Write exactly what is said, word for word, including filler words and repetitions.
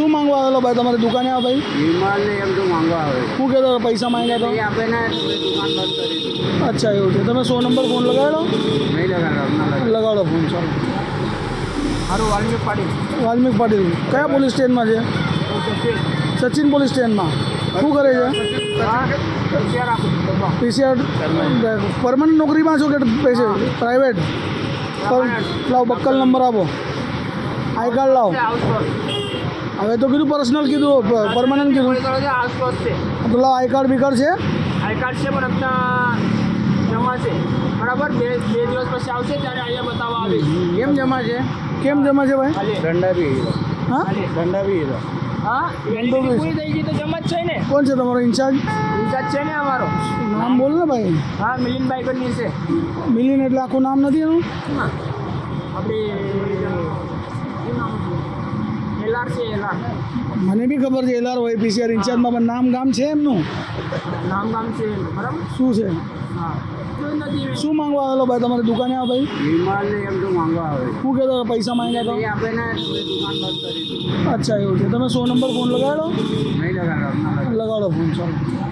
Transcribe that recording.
શું માંગવા આવેલો ભાઈ તમારી દુકાને આ ભાઈ? વિમલ ને એમ તો માંગવા આવે શું કહેતો હતો? પૈસા માંગ્યા એ તો? આપે ને તો પછી દુકાન બંધ કરી દીધી. અચ્છા એવું છે. તમે સો નંબર ફોન લગાવેલો? નહીં લગાડો ના લગાડો. લગાડો ફોન ચાલો. મારું વાલ્મીક પાડી વાલ્મીક પાટીલ કયા પોલીસ સ્ટેશનમાં છે? સચિન પોલીસ સ્ટેશનમાં. શું કરે છે? પીસીઆર પરમનન્ટ નોકરીમાં છો કે પૈસે પ્રાઇવેટ? લાવો બક્કલ નંબર આપો, આઈ કાર્ડ લાવો. હવે તો કીધું પર્સનલ કીધું, પરમનન્ટ કીધું તો લાવો. આઈ કાર્ડ બી કાર્ડ છે? આઈ કાર્ડ છે પણ આપણા જમા છે બરાબર. બે બે દિવસ પછી આવશે ત્યારે અહીંયા બતાવવા આવીશ. કેમ જમા છે? કેમ જમા છે ભાઈ? દંડા બી હીરો. હા દંડા બી હીરો. હા વેલિડિટી પૂરી થઈ ગઈ તો જમા જ છે ને. કોણ છે તમારો ઇન્ચાર્જ? ઇન્ચાર્જ છે ને અમારો. નામ બોલ ને ભાઈ. હા મિલિનભાઈ કરીને છે. મિલિન એટલે આખું નામ નથી એનું? આપણે એલઆર છે એલઆર. મને બી ખબર છે એલઆર હોય પીસીઆર ઇન્ચાર્જમાં, પણ નામ ગામ છે એમનું? નામ ગામ છે બરાબર. શું છે? હા કોઈ નથી. શું માંગવા આવેલો ભાઈ તમારી દુકાને આ ભાઈ? વિમલ ને એમ તો માંગવા આવે શું કહેતો હતો? પૈસા માંગ્યા તો? એ આપે ને તો પછી દુકાન બંધ કરી દીધી. અચ્છા એવું છે. તમે સો નંબર ફોન લગાડો? નહીં લગાડો ના લગાડો. લગાડો ફોન ચાલો.